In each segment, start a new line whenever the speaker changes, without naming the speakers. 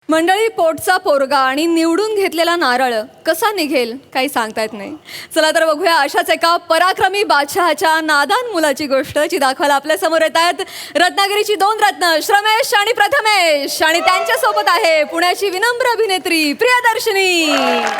मंडळी, पोटचा पोरगा आणि निवडून घेतलेला नारळ कसा निघेल काही सांगता येत नाही. चला तर बघूया अशाच एका पराक्रमी बादशहाच्या नादान मुलाची गोष्ट, जी दाखवायला आपल्या समोर येत आहेत रत्नागिरीची दोन रत्न श्रमेश आणि प्रथमेश, आणि त्यांच्या सोबत आहे पुण्याची विनम्र अभिनेत्री प्रियदर्शनी.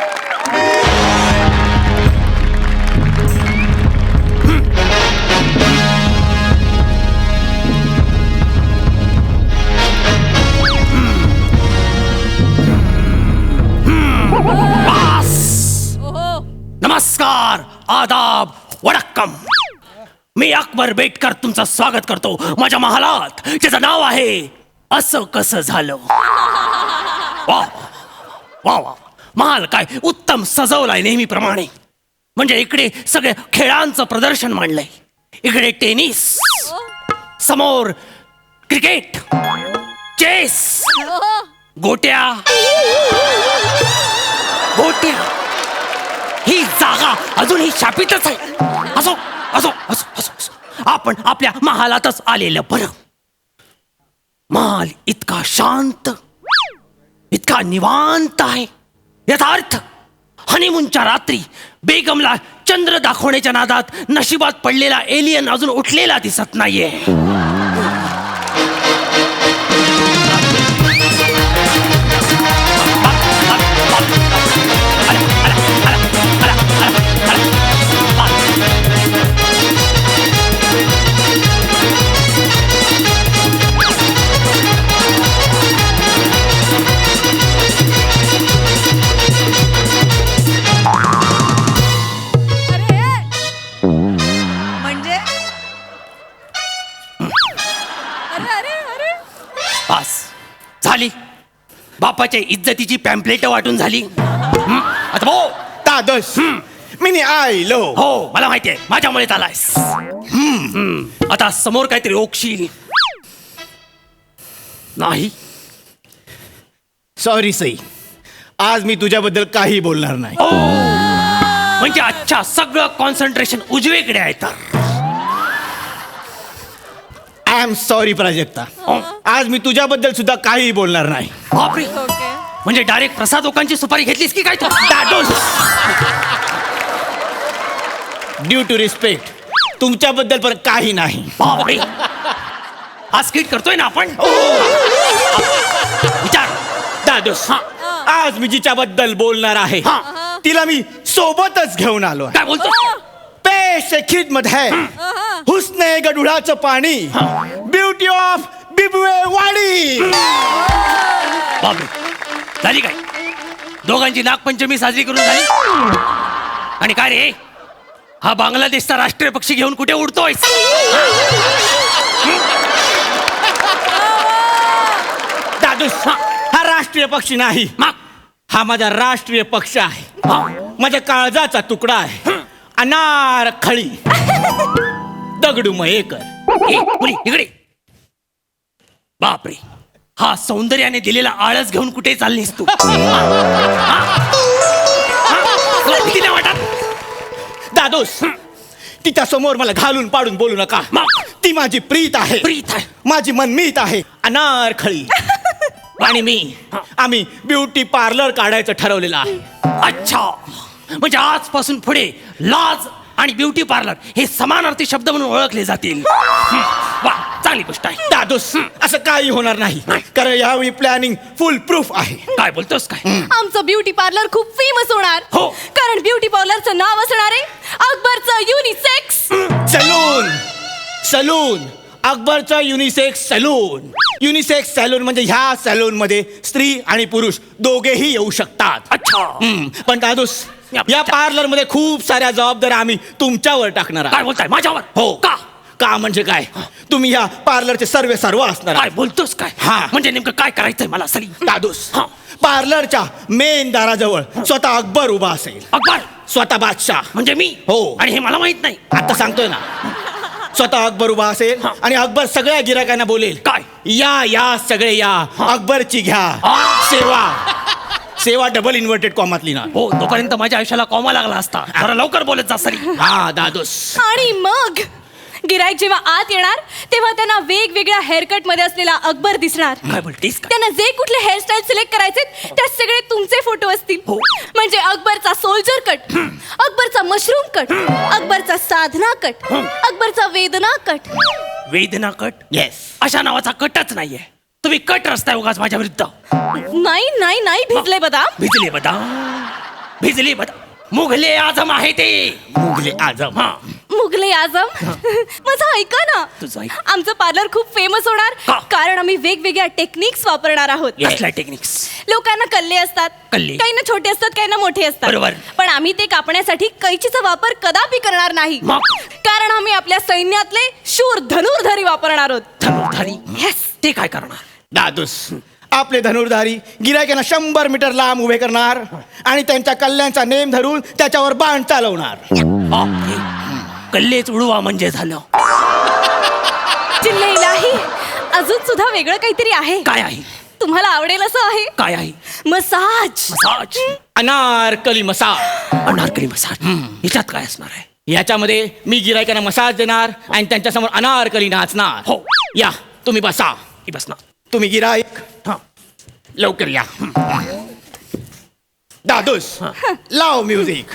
नमस्कार, आदाब, वडक्कम. मी अकबर बेटकर तुमचं स्वागत करतो माझ्या महालात, ज्याचं नाव आहे असं कसं झालं. वा वा वा, महाल काय उत्तम सजवलाय नेहमीप्रमाणे. म्हणजे इकडे सगळे खेळांचं प्रदर्शन मांडलंय. इकडे टेनिस, समोर क्रिकेट, चेस, गोट्या गोट्या. ही जागा अजूनही शापितच आहे. असो असो असो असो असो. आपण आपल्या महालातच आलेलं बरं. महाल इतका शांत, इतका निवांत आहे. याचा अर्थ हनीमूनच्या रात्री बेगमला चंद्र दाखवण्याच्या नादात नशिबात पडलेला एलियन अजून उठलेला दिसत नाहीये. बस झाली. बापाच्या इज्जतीची पॅम्पलेट वाटून झाली. आता भाऊ
तादस मी आयलो.
हो, मला माहितीये, माझ्यामुळे आलायस. आता समोर काहीतरी ओकशील नाही.
सॉरी सई, आज मी तुझ्याबद्दल काही बोलणार नाही.
म्हणजे अच्छा, सगळं कॉन्सन्ट्रेशन उजवीकडे आहे तर.
आय एम सॉरी प्राजक्ता, आज मी तुझ्याबद्दल सुद्धा काही बोलणार नाही.
बापरे, म्हणजे डायरेक्ट प्रसाद लोकांची सुपारी घेतलीस की काय तू?
ड्यू टू रिस्पेक्ट, तुमच्याबद्दल पण काही नाही.
बापरे, हा स्किट करतोय ना आपण. विचार
दादोस, आज मी जिच्याबद्दल बोलणार आहे तिला मी सोबतच घेऊन आलो.
काय बोलतो?
पेश खिदमत है हुस्ने गडुळाचं पाणी, ब्युटी ऑफ बिबवे वाडी.
बापरे, झाली काय? दोघांची नागपंचमी साजरी करून झाली. आणि काय रे, हा बांगलादेशचा राष्ट्रीय पक्षी घेऊन कुठे उडतोय?
दादूस, हा राष्ट्रीय पक्षी नाही, हा माझा राष्ट्रीय पक्ष आहे. माझ्या काळजाचा तुकडा आहे. अनारखळी दगडू मयेकर.
मुली इकडे. बापरे, हा सौंदर्याने दिलेला आळस घेऊन कुठे चाललीस तू? भीती नाही वाटत?
दादोस, तिच्या समोर मला घालून पाडून बोलू नका. ती माझी प्रीत आहे,
प्रीत आहे,
माझी मनमीत आहे. अनारखळी आणि आम्ही ब्युटी पार्लर काढायचं ठरवलेलं आहे.
अच्छा, म्हणजे आजपासून पुढे लाज आणि ब्युटी पार्लर हे समानार्थी शब्द म्हणून ओळखले जातील. वा, चांगली गोष्ट आहे.
दादोस, असं काही होणार नाही, कारण यावेळी प्लॅनिंग फुल प्रूफ आहे.
काय बोलतोस काय?
आमचं ब्युटी पार्लर खूप फेमस होणार.
हो,
कारण ब्युटी पार्लरचं नाव असणार आहे अकबरचं युनिसेक्स
सलून. सलून अकबरचा युनिसेक्स सलून. युनिसेक्स सॅलून म्हणजे ह्या सॅलून मध्ये स्त्री आणि पुरुष दोघेही येऊ शकतात.
अच्छा.
पण दादूस, या पार्लर मध्ये खूप साऱ्या जबाबदाऱ्या आम्ही तुमच्यावर टाकणार
काय
आहोत.
बोलताय माझ्यावर?
हो.
का?
का म्हणजे काय, तुम्ही या पार्लरचे सर्व असणार
काय
आहात.
बोलतोस काय?
हा.
म्हणजे नेमकं काय करायचंय मला? सरी
दादूस,
हा.
पार्लरच्या मेन दाराजवळ स्वतः अकबर उभा असेल.
अकबर
स्वतः बादशाह
म्हणजे मी?
हो.
आणि हे मला माहित नाही.
आता सांगतोय ना, स्वतः अकबर उभा असेल आणि अकबर सगळ्या गिरायकांना बोलेल,
काय?
या या सगळे या, अकबरची घ्या सेवा. सेवा डबल इन्व्हर्टेड कॉमातली ना.
हो, तोपर्यंत माझ्या आयुष्याला कॉमा लागला असता. जरा लवकर बोलत जा सरी.
हा दादोस.
आणि मग
गिराईक जेव्हा आत येणार तेव्हा त्यांना वेगवेगळ्या हेअरकट मध्ये असलेला अकबर दिसणार.
काय बोलतेस काय?
त्यांना जे कुठले हेअरस्टाईल सिलेक्ट करायचे त्यात सगळे तुमचे फोटो असतील.
हो.
म्हणजे अकबरचा सोल्जर कट, अकबरचा मशरूम कट, अकबरचा साधना कट, अकबरचा वेदना कट.
वेदना कट?
येस.
अशा नावाचा कटच नाहीये. तुम्ही कट रस्ताय उगाच माझ्या विरुद्ध.
नाही नाही नाही भिजले बदाम.
भिजले बदाम मुघले आजम आहे ते.
मुघले आजम.
हा.
मुघले आजम. माझं ऐका ना,
तुझं ऐक.
आमचं पार्लर खूप फेमस होणार
का?
कारण आम्ही वेगवेगळ्या टेक्निक्स वापरणार आहोत.
कसल्या टेक्निक्स?
लोकांना कल्ले असतात,
कल्ले.
काही ना छोटे असतात, काही ना मोठे असतात.
बरोबर.
पण आम्ही ते कापण्यासाठी कैचीचा वापर कदापि करणार नाही.
मग?
कारण आम्ही आपल्या सैन्यातले शूर धनुर्धारी वापरणार आहोत.
धनुर्धारी?
Yes.
ते काय करणार?
दादूस, आपले धनुर्धारी गिरायकांना 100 मीटर लांब उभे करणार आणि त्यांच्या कल्ल्यांचा नेम धरून त्याच्यावर बाण चालवणार.
बापरे. कल्लेच उडवा म्हणजे झालं.
चिल्ले इलाही, अजून सुद्धा वेगळं काहीतरी आहे.
काय आहे?
तुम्हाला आवडेल असं आहे.
काय आहे?
Massage.
Massage?
Anarkali massage.
Anarkali massage? याच्यात काय असणार आहे?
याच्यामध्ये मी गिरायकांना मसाज देणार आणि त्यांच्यासमोर अनारकली नाचणार.
हो.
या तुम्ही बसा.
ही बस ना.
तुम्ही गिराईक
हा.
लवकर या. दादूस, लाव म्युझिक.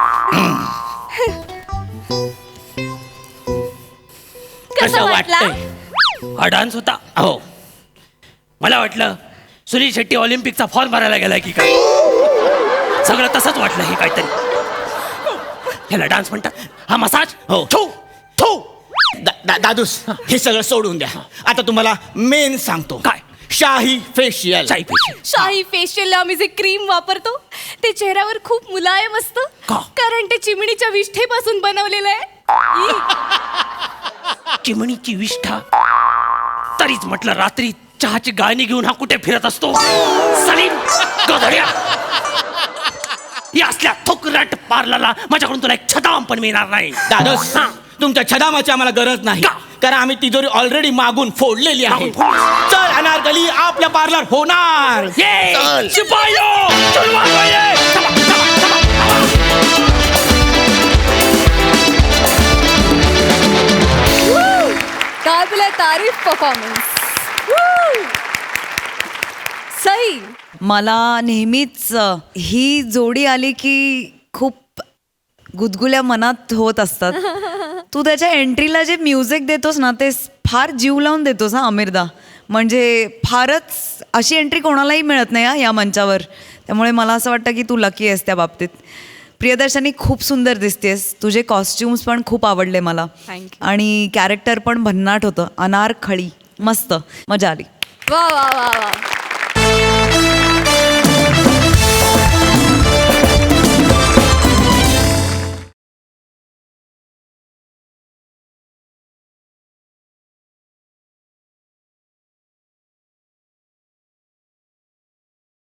कसं वाटला?
हा डान्स होता?
हो.
मला वाटलं सुनील शेट्टी ऑलिम्पिकचा फॉर्म भरायला गेलाय की काय. सगळं तसंच वाटलं हे काहीतरी. ह्याला डान्स म्हणतात? हा मसाज?
हो.
थू थू.
दादूस, हे सगळं सोडून द्या. आता तुम्हाला मेन सांगतो.
काय?
शाही फेशियल.
चाई पेशी.
शाही फेशियलला आम्ही जे क्रीम वापरतो ते चेहऱ्यावर खूप मुलायम असतं.
का?
कारण ते चिमणीच्या विष्ठेपासून बनवलेलं आहे.
चिमणीची विष्ठा? तरीच म्हटलं रात्री चहाची गाणी घेऊन हा कुठे फिरत असतो. सलीम गधड्या. या असल्या थुकरट पार्लरला माझ्याकडून तुला एक छदाम पण मिळणार नाही.
दादूस,
हा.
तुमच्या छदामाची आम्हाला गरज नाही.
का?
कारण आम्ही तिजोरी ऑलरेडी मागून फोडलेली आहे.
मागून फोडली.
चल अनारकली, आपल्या पार्लर होणार.
ये
चल.
शिपायो चलवा दो ये. चला, चला, चला, चला.
काबिले तारीफ परफॉर्मन्स. सई.
मला नेहमीच ही जोडी आली की खूप गुदगुल्या मनात होत असतात. तू त्याच्या एंट्रीला जे म्युझिक देतोस ना ते फार जीव लावून देतोस हा अमीरदा. म्हणजे फारच अशी एंट्री कोणालाही मिळत नाही हा या मंचावर. त्यामुळे मला असं वाटतं की तू लकी आहेस त्या बाबतीत. प्रियदर्शनी खूप सुंदर दिसतेस. तुझे कॉस्ट्युम्स पण खूप आवडले मला.
Thank you.
आणि कॅरेक्टर पण भन्नाट होतं. अनारखळी मस्त मजा आली.
वा वा वा वा.